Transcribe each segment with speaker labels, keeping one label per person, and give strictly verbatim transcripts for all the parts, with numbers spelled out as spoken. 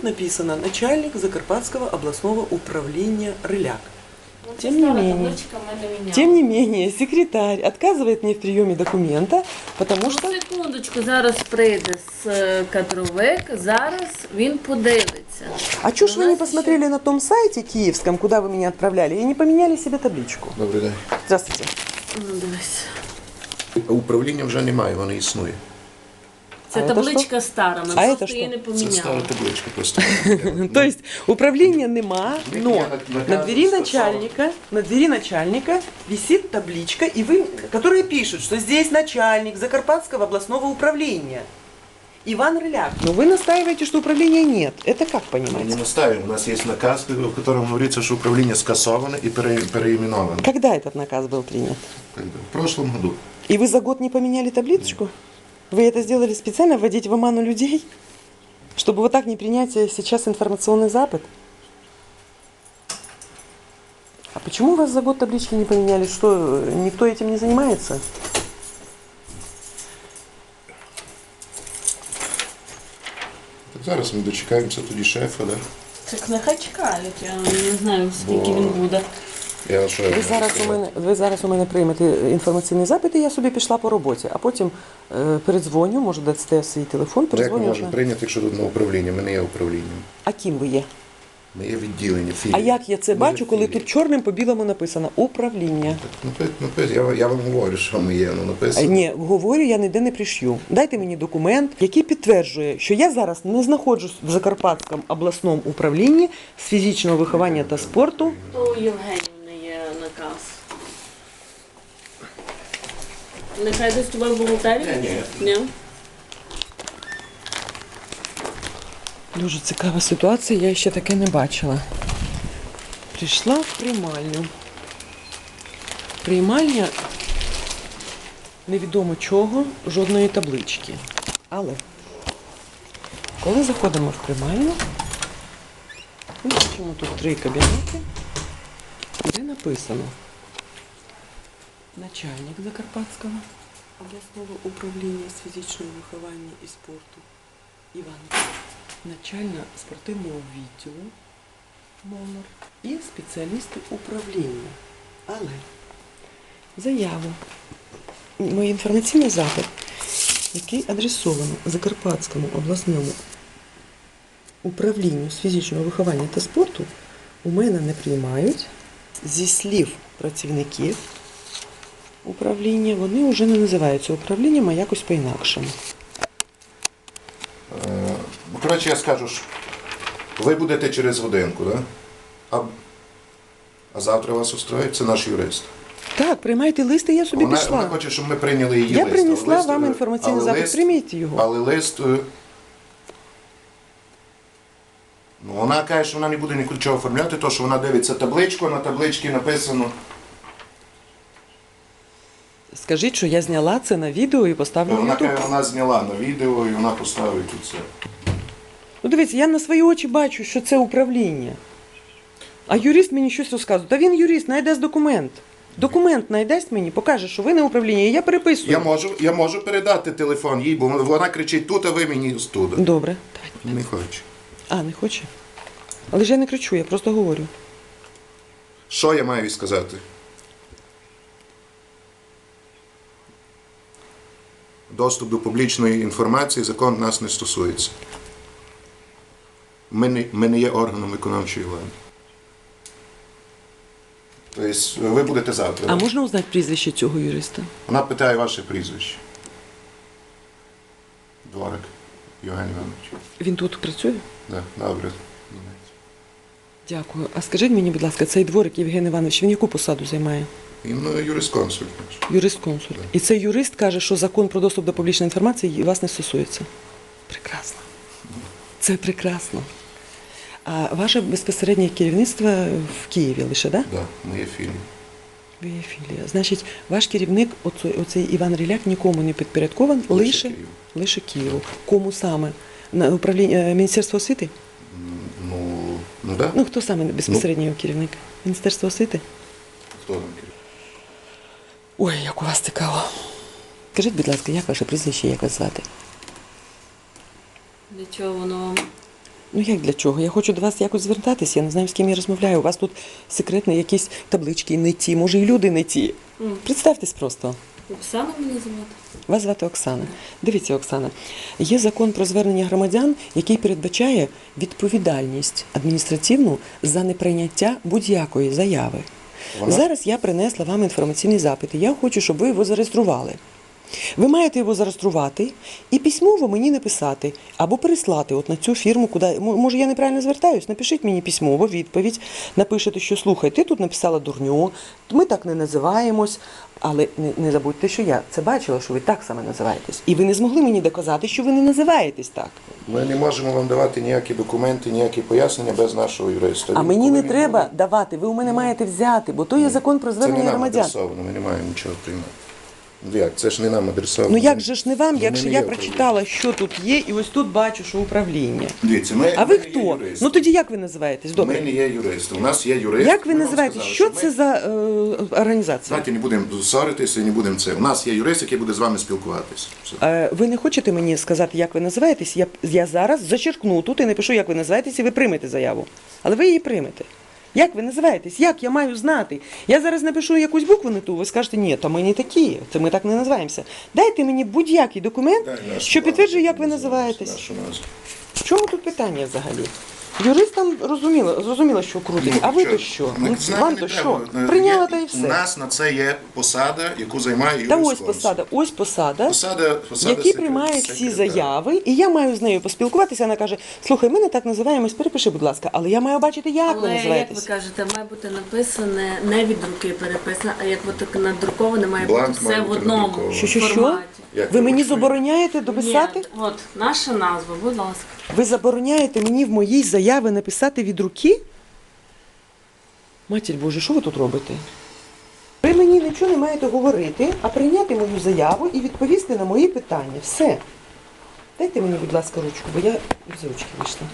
Speaker 1: тут написано начальник Закарпатского областного управления Рыляк.
Speaker 2: Ну,
Speaker 1: Тем не менее, тем не менее, секретарь отказывает мне в приеме документа, потому
Speaker 2: Ну,
Speaker 1: что...
Speaker 2: секундочку, зараз прийде з кадровик, зараз він подивиться.
Speaker 1: А чё ж
Speaker 2: У
Speaker 1: вы не
Speaker 2: нас
Speaker 1: посмотрели на том сайте киевском, куда вы меня отправляли, и не поменяли себе табличку?
Speaker 3: Добрий день.
Speaker 1: Здравствуйте.
Speaker 2: Ну, дивись.
Speaker 3: Управління вже немає, воно існує.
Speaker 2: Це
Speaker 1: А це
Speaker 2: табличка стара, ми
Speaker 1: А
Speaker 2: просто
Speaker 1: це
Speaker 2: її не
Speaker 3: Це стара
Speaker 2: поміняли.
Speaker 3: табличка просто.
Speaker 1: То есть управления нема,
Speaker 3: Ник-
Speaker 1: но
Speaker 3: я на-
Speaker 1: на двери
Speaker 3: наказываю,
Speaker 1: начальника, на двери начальника висит табличка, и вы, которая пишет, что здесь начальник Закарпатского областного управления. Иван Рыляк. Но вы настаиваете, что управления нет. Это как
Speaker 3: Ми не
Speaker 1: понимаете?
Speaker 3: настаиваем. У нас є наказ, в якому говориться, що управління скасоване і пере- переименоване.
Speaker 1: Когда этот наказ был принят?
Speaker 3: В прошлом году.
Speaker 1: И вы за год не поменяли табличку? Вы это сделали специально, вводить в оману людей? Чтобы вот так не принять сейчас информационный запад? А почему у вас за год таблички не поменяли? Что, никто этим не занимается?
Speaker 3: Так зараз ми дочекаємося тоді шефа, да?
Speaker 2: Так нехай чекають, я не знаю, скільки
Speaker 3: Бо-
Speaker 2: він буде.
Speaker 3: Я що я
Speaker 1: Ви
Speaker 3: можу
Speaker 1: зараз, у
Speaker 3: сказати?
Speaker 1: мене, ви зараз у мене приймете інформаційний запит, і я собі пішла по роботі. А потім е, передзвоню, може дасте свій телефон,
Speaker 3: Ну, як ми
Speaker 1: передзвоню.
Speaker 3: можемо прийняти, якщо тут на управління? Ми не є управлінням.
Speaker 1: А ким ви є?
Speaker 3: Ми є відділення, філії.
Speaker 1: А як я це
Speaker 3: Ми
Speaker 1: бачу,
Speaker 3: є
Speaker 1: коли
Speaker 3: філії.
Speaker 1: тут чорним по білому написано управління?
Speaker 3: Напи- напи- Я, я вам говорю, що ми є, ну
Speaker 1: А,
Speaker 3: написано.
Speaker 1: Ні, говорю, я ніде не пришью. Дайте мені документ, який підтверджує, що я зараз не знаходжусь в Закарпатському обласному управлінні з фізичного виховання та спорту.
Speaker 2: То у Євгенівни є наказ. Нехай десь тебе в бухгалтерії?
Speaker 3: Ні,
Speaker 2: Ні.
Speaker 1: Дуже цікава ситуація, я ще таке не бачила. Прийшла в приймальню. Приймальня невідомо чого, жодної таблички. Але коли заходимо в приймальню, ми бачимо тут три кабінети, де написано начальник Закарпатського обласного управління з фізичного виховання і спорту Іван, начальник спортивного відділу номер і спеціалісти управління. Але заяву, мій інформаційний запит, який адресовано Закарпатському обласному управлінню з фізичного виховання та спорту, у мене не приймають. Зі слів працівників управління, вони вже не називаються управлінням, а якось по-інакшому.
Speaker 3: Ну, коротше, я скажу, що ви будете через годинку, да? А, а завтра вас устроїть, це наш юрист.
Speaker 1: Так, приймайте лист, і я собі
Speaker 3: Вона,
Speaker 1: пішла.
Speaker 3: вона хоче, щоб ми прийняли її
Speaker 1: Я
Speaker 3: лист.
Speaker 1: принесла
Speaker 3: але лист,
Speaker 1: вам
Speaker 3: е,
Speaker 1: інформаційний
Speaker 3: але
Speaker 1: запит,
Speaker 3: лист-
Speaker 1: прийміть його.
Speaker 3: Але лист, е, ну, вона каже, що вона не буде нічого оформляти, то що вона дивиться табличку, на табличці написано.
Speaker 1: Скажіть, що я зняла це на відео і поставлю на
Speaker 3: Вона
Speaker 1: Ютуб.
Speaker 3: каже, вона зняла на відео і вона поставить тут це.
Speaker 1: Ну дивіться, я на свої очі бачу, що це управління. А юрист мені щось розказує. Та він юрист, найдасть документ. Документ найдасть мені, покаже, що ви не управління, і я переписую.
Speaker 3: Я можу, я можу передати телефон їй, бо вона кричить тут, а ви мені студа.
Speaker 1: Добре.
Speaker 3: Не хочу.
Speaker 1: А, не хоче? Але ж я не кричу, я просто говорю.
Speaker 3: Що я маю їй сказати? Доступ до публічної інформації закон нас не стосується. Ми не, ми не є органом виконавчої влади. Тобто ви будете завтра.
Speaker 1: А
Speaker 3: да?
Speaker 1: можна узнати прізвище цього юриста?
Speaker 3: Вона питає ваше прізвище. Дворик Євген Іванович.
Speaker 1: Він тут працює?
Speaker 3: Да, добре.
Speaker 1: Дякую. А скажіть мені, будь ласка, цей дворик Євген Іванович, він яку посаду займає?
Speaker 3: Він ну, юрисконсульт наш.
Speaker 1: Юрист-консульт. І цей юрист каже, що закон про доступ до публічної інформації вас не стосується. Прекрасно. Це прекрасно. А ваше безпосереднє керівництво в Києві лише, так? Да?
Speaker 3: Да, ми є філії.
Speaker 1: Ви є філія. Значить, ваш керівник, оцей, оцей Іван Рыляк, нікому не підпорядкований,
Speaker 3: Лише
Speaker 1: лише,
Speaker 3: Києву.
Speaker 1: лише Києву. Кому саме? На управління е, Міністерства освіти?
Speaker 3: Ну, ну да.
Speaker 1: Ну, хто саме безпосередньо його керівник? Міністерство освіти?
Speaker 3: Хто там керівник?
Speaker 1: Ой, як у вас цікаво. Скажіть, будь ласка, як ваше прізвище, як вас звати?
Speaker 2: Для чого воно вам?
Speaker 1: Ну як для чого? Я хочу до вас якось звертатись, я не знаю, з ким я розмовляю. У вас тут секретні якісь таблички не ті, може і люди не ті.
Speaker 2: Мгм.
Speaker 1: Представтесь просто.
Speaker 2: Оксана мене звати.
Speaker 1: Вас звати Оксана. Дивіться, Оксана, є закон про звернення громадян, який передбачає відповідальність адміністративну за неприйняття будь-якої заяви.
Speaker 3: Вона-
Speaker 1: Зараз я принесла вам інформаційний запит, і я хочу, щоб ви його зареєстрували. Ви маєте його зареєструвати і письмово мені написати або переслати от на цю фірму, куди м- може я неправильно звертаюсь. Напишіть мені письмово відповідь, напишете, що слухай, ти тут написала дурню, ми так не називаємось, але не, не забудьте, що я це бачила, що ви так саме називаєтесь. І ви не змогли мені доказати, що ви не називаєтесь так.
Speaker 3: Ми не можемо вам давати ніякі документи, ніякі пояснення без нашого юриста.
Speaker 1: А
Speaker 3: Він,
Speaker 1: мені
Speaker 3: коли
Speaker 1: не
Speaker 3: він
Speaker 1: треба
Speaker 3: буде-
Speaker 1: давати, ви у мене маєте взяти, бо то є закон про
Speaker 3: Це не
Speaker 1: звернення
Speaker 3: нам
Speaker 1: громадян.
Speaker 3: адресовано, ми не маємо нічого приймати. Ну, Як? Це ж не нам адресовано.
Speaker 1: Ну як же ж не вам,
Speaker 3: Ну, ми
Speaker 1: якщо
Speaker 3: не
Speaker 1: я
Speaker 3: є
Speaker 1: прочитала, що тут є, і ось тут бачу, що управління.
Speaker 3: Дивіться, ми,
Speaker 1: А
Speaker 3: ми
Speaker 1: ви
Speaker 3: не є
Speaker 1: хто?
Speaker 3: юристи.
Speaker 1: Ну тоді як ви називаєтесь?
Speaker 3: Ми
Speaker 1: Добре.
Speaker 3: не є юристи. У нас є юрист.
Speaker 1: Як ви
Speaker 3: Ми вам
Speaker 1: називаєтесь?
Speaker 3: сказали,
Speaker 1: Що
Speaker 3: ми-
Speaker 1: це за е, організація?
Speaker 3: Знаєте, не будемо ссоритися і не будемо це. У нас є юрист, який буде з вами спілкуватися. Все.
Speaker 1: Е, ви не хочете мені сказати, як ви називаєтесь? Я, я зараз зачеркну тут і напишу, як ви називаєтесь, і ви приймете заяву. Але ви її приймете. Як ви називаєтесь? Як я маю знати? Я зараз напишу якусь букву не ту, ви скажете, ні, то ми не такі, це ми так не називаємося. Дайте мені будь-який документ,
Speaker 3: Дай нашу
Speaker 1: що підтверджує, як ви
Speaker 3: назву,
Speaker 1: називаєтесь.
Speaker 3: нашу назву.
Speaker 1: В чому тут питання взагалі? Юристам розуміло, зрозуміло, що крутить. А ви то що?
Speaker 3: Ми
Speaker 1: Ну,
Speaker 3: знаємо,
Speaker 1: вам
Speaker 3: не
Speaker 1: то
Speaker 3: треба.
Speaker 1: що? Прийняла
Speaker 3: Є-
Speaker 1: та і
Speaker 3: У
Speaker 1: все.
Speaker 3: нас на це є посада, яку займає
Speaker 1: Та ось
Speaker 3: юрисконсульт.
Speaker 1: посада, ось посада,
Speaker 3: Посада, посада
Speaker 1: який
Speaker 3: секре-
Speaker 1: приймає всі
Speaker 3: секретаря.
Speaker 1: заяви, і я маю з нею поспілкуватися. Вона каже: слухай, ми не так називаємось, перепиши, будь ласка, але я маю бачити, як ви
Speaker 2: Але, як ви
Speaker 1: називаєтесь.
Speaker 2: кажете, має бути написане не від руки переписане, а як от так надруковане, має
Speaker 3: Бланк
Speaker 2: бути все
Speaker 3: має
Speaker 2: в
Speaker 3: бути
Speaker 2: одному
Speaker 3: надрукований.
Speaker 1: Що, що, що?
Speaker 2: форматі.
Speaker 3: Як
Speaker 1: Ви
Speaker 3: ви
Speaker 1: мені
Speaker 3: хочете?
Speaker 1: забороняєте дописати?
Speaker 2: Ні, от наша назва, будь ласка.
Speaker 1: Ви забороняєте мені в моїй заяві написати від руки? Матір Боже, що ви тут робите? Ви мені нічого не маєте говорити, а прийняти мою заяву і відповісти на мої питання. Все. Дайте мені, будь ласка, ручку, бо я з ручки вийшла.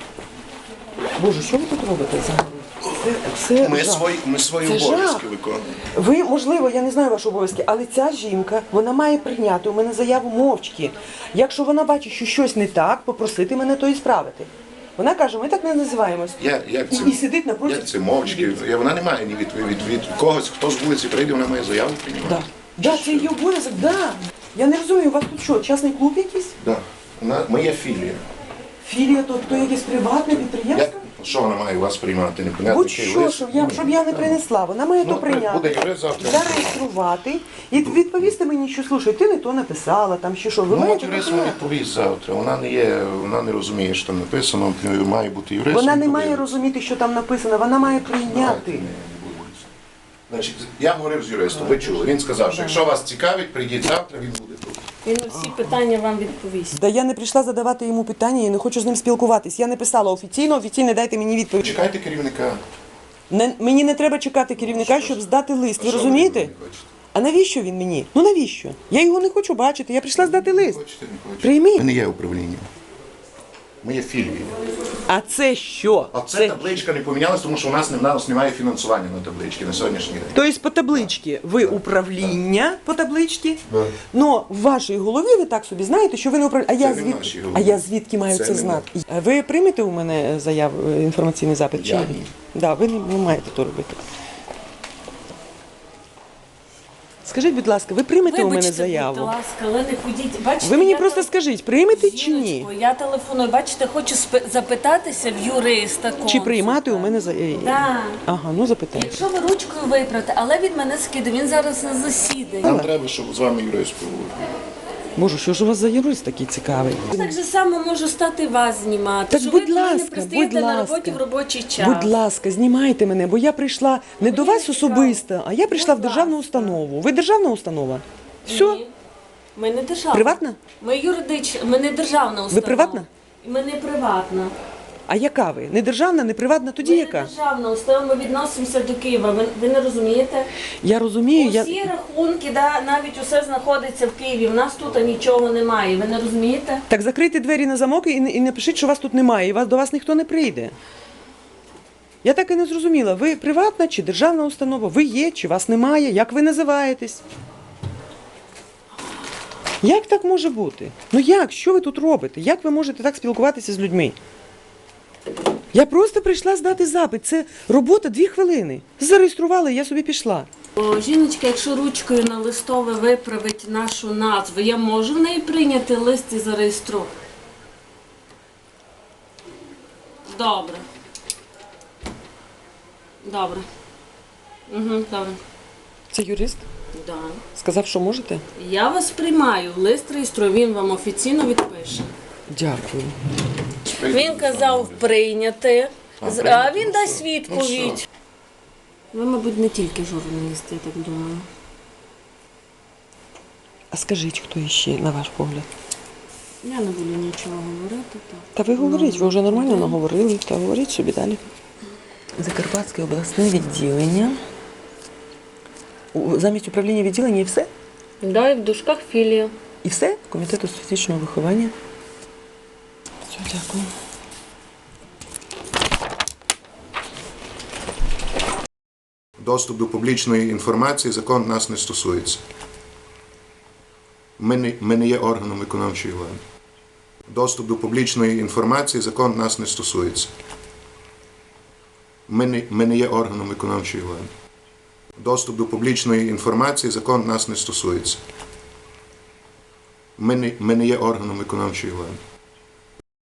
Speaker 1: Боже, що ви тут робите взагалі? Це, це
Speaker 3: Ми
Speaker 1: жах.
Speaker 3: свої, ми свої
Speaker 1: Це
Speaker 3: обов'язки
Speaker 1: жах.
Speaker 3: виконуємо.
Speaker 1: Ви, можливо, я не знаю ваші обов'язки, але ця жінка, вона має прийняти у мене заяву мовчки. Якщо вона бачить, що щось не так, попросити мене то і справити. Вона каже, ми так не називаємось.
Speaker 3: Як, як
Speaker 1: І,
Speaker 3: це,
Speaker 1: і сидить напроти.
Speaker 3: як це мовчки? Я- Вона не має ні від, від, від когось, хто з вулиці прийде, вона має заяву приймати.
Speaker 1: Да. Да, це її обов'язок, да. Я не розумію, у вас тут що, частний клуб якийсь?
Speaker 3: Да. Вона, ми є філія.
Speaker 1: Філія, то, то якесь приватне підприємство?
Speaker 3: Як, що вона має у вас приймати? Непонятно, який
Speaker 1: Будь-що,
Speaker 3: лист.
Speaker 1: щоб я, щоб я не принесла. Вона має
Speaker 3: Ну,
Speaker 1: то прийняти,
Speaker 3: буде юрист завтра.
Speaker 1: зареєструвати і відповісти мені, що слушай, ти не то написала, там ще що. Ви
Speaker 3: Ну, от
Speaker 1: маєте
Speaker 3: юрист
Speaker 1: то
Speaker 3: вам
Speaker 1: прийняти.
Speaker 3: відповість завтра. Вона не є, вона не розуміє, що там написано, має бути юрист.
Speaker 1: Вона
Speaker 3: він
Speaker 1: не має
Speaker 3: подивиться.
Speaker 1: розуміти, що там написано, вона має
Speaker 3: Давайте
Speaker 1: прийняти.
Speaker 3: не будемо. Значить, я говорив з юристом, ви чули. Він сказав, що якщо вас цікавить, прийдіть завтра, він буде тут.
Speaker 2: Він на всі питання вам відповість.
Speaker 1: Да я не прийшла задавати йому питання, я не хочу з ним спілкуватись. Я не писала офіційно, офіційно дайте мені відповідь.
Speaker 3: Чекайте керівника.
Speaker 1: Не, мені не треба чекати керівника, щоб здати лист. Ви
Speaker 3: Що
Speaker 1: розумієте?
Speaker 3: не хочете?
Speaker 1: А навіщо він мені? Ну навіщо? Я його не хочу бачити, я прийшла здати лист.
Speaker 3: Хочете, не хочете.
Speaker 1: Прийміть.
Speaker 3: Ми не є управлінням. Ми є філією.
Speaker 1: А це що?
Speaker 3: А ця табличка не помінялась, тому що у нас, не- у нас немає фінансування на табличці на сьогоднішній день.
Speaker 1: Тобто по табличці ви управління по табличці,
Speaker 3: Да.
Speaker 1: но в вашій голові ви так собі знаєте, що ви не управління. А я
Speaker 3: Це не в нашій
Speaker 1: звідки?
Speaker 3: голові.
Speaker 1: А я звідки маю
Speaker 3: Це
Speaker 1: це
Speaker 3: не
Speaker 1: знати? А ви приймете у мене заяву, е, інформаційний запит чи
Speaker 3: Я
Speaker 1: ні?
Speaker 3: ні.
Speaker 1: Да, ви не, не маєте то робити. Скажіть, будь ласка, ви приймете у мене
Speaker 2: Вибачте,
Speaker 1: заяву?
Speaker 2: будь ласка, але не ходіть. Бачите,
Speaker 1: Ви мені
Speaker 2: я
Speaker 1: просто
Speaker 2: тел-
Speaker 1: скажіть, приймете чи ні?
Speaker 2: Жіночко, я телефоную, бачите, хочу спи- запитатися в юриста
Speaker 1: Чи
Speaker 2: консульта.
Speaker 1: приймати у мене заяву?
Speaker 2: Да.
Speaker 1: Ага, ну запитайте.
Speaker 2: Якщо ви ручкою виправите, але від мене скиде, він зараз на засіданні.
Speaker 3: Нам треба, щоб з вами юрист поговорив.
Speaker 1: Боже, що ж у вас за юрист такий цікавий?
Speaker 2: Так же само можу стати вас знімати.
Speaker 1: Так,
Speaker 2: що
Speaker 1: будь
Speaker 2: ви до мене
Speaker 1: ласка,
Speaker 2: пристаєте
Speaker 1: будь
Speaker 2: на
Speaker 1: ласка.
Speaker 2: роботі в робочий час.
Speaker 1: Будь ласка, знімайте мене, бо я прийшла не до вас
Speaker 2: цікаво.
Speaker 1: особисто, а я прийшла в
Speaker 2: Будь
Speaker 1: державну
Speaker 2: ласка.
Speaker 1: установу. Ви державна установа? Все?
Speaker 2: Ні. Ми не державна.
Speaker 1: Приватна?
Speaker 2: Ми юридична, ми не державна установа.
Speaker 1: приватна?
Speaker 2: Ми не приватна.
Speaker 1: А яка ви? Не державна, не приватна, тоді
Speaker 2: Ми
Speaker 1: яка?
Speaker 2: не державна установа, ми відносимося до Києва. Ви, ви не розумієте?
Speaker 1: Я розумію, я...
Speaker 2: Усі рахунки, да, навіть усе знаходиться в Києві. У нас тут нічого немає. Ви не розумієте?
Speaker 1: Так закрийте двері на замок і, і напишіть, що вас тут немає, і вас, до вас ніхто не прийде. Я так і не зрозуміла, ви приватна чи державна установа? Ви є, чи вас немає? Як ви називаєтесь? Як так може бути? Ну як? Що ви тут робите? Як ви можете так спілкуватися з людьми? Я просто прийшла здати запит. Це робота дві хвилини. Зареєстрували, я собі пішла.
Speaker 2: О, жіночка, якщо ручкою на листове виправить нашу назву, я можу в неї прийняти лист і зареєструвати? Добре. Добре. Угу, добре.
Speaker 1: Це юрист?
Speaker 2: Да.
Speaker 1: Сказав, що можете?
Speaker 2: Я вас приймаю, лист реєструю, він вам офіційно відпише.
Speaker 1: Дякую.
Speaker 2: Він казав прийняти,
Speaker 3: А,
Speaker 2: з-
Speaker 3: прийняти,
Speaker 2: а він
Speaker 3: ну
Speaker 2: дасть
Speaker 3: все.
Speaker 2: відповідь. Ви, мабуть, не тільки журналіст, я так думаю.
Speaker 1: А скажіть, хто іще, на ваш погляд?
Speaker 2: Я не буду нічого говорити. Так.
Speaker 1: Та ви говоріть, ви вже нормально
Speaker 2: Ну,
Speaker 1: наговорили, та говоріть собі далі. Закарпатське обласне відділення. У- Замість управління відділення і все?
Speaker 2: Да, і в дужках філія.
Speaker 1: І все? Комітету з фізичного виховання. Все, дякую.
Speaker 3: Доступ до публічної інформації закон нас не стосується. Ми не, ми не є органом виконавчої влади. Доступ до публічної інформації закон нас не стосується. Ми не, ми не є органом виконавчої влади. Доступ до публічної інформації закон нас не стосується. Ми не, ми не є органом виконавчої влади.